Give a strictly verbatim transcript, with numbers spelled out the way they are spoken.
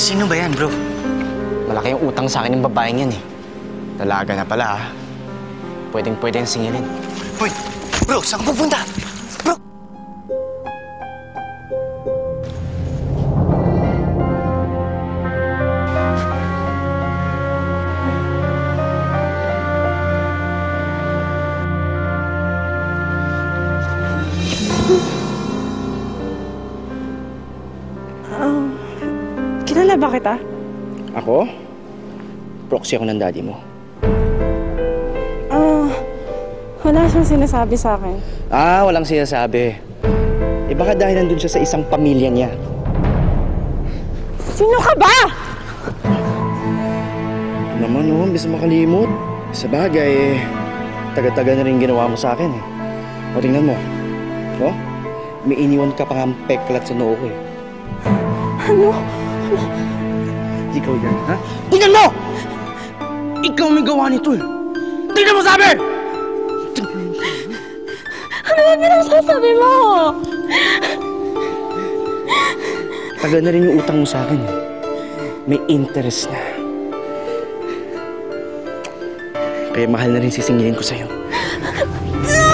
Sino ba yan, bro? Malaki yung utang sa akin ng babaeng yan eh. Dalaga na pala ah. Pwedeng-pwede yung singilin. Hoy! Bro, saan ka pupunta? Bro! Um, kilala ba kita? Ako? Proxy ako ng daddy mo. Ah, uh, wala siyang sinasabi sa akin. Ah, walang sinasabi. Eh baka dahil nandun siya sa isang pamilya niya. Sino ka ba? Ito naman oh, bis makalimot. Sa bagay, taga-taga na rin ginawa mo sa akin eh. O tingnan mo. Oh, may iniwan ka pang peklat sa noo ko eh. Ano? Ikaw yan, ha? Tingnan mo! Ikaw may gawa nito eh. Tingnan mo sabi! Ano ba pinagsasabi mo? Tagal na rin yung utang mo sa akin eh. May interest na. Kaya mahal na rin sisingilin ko sa'yo.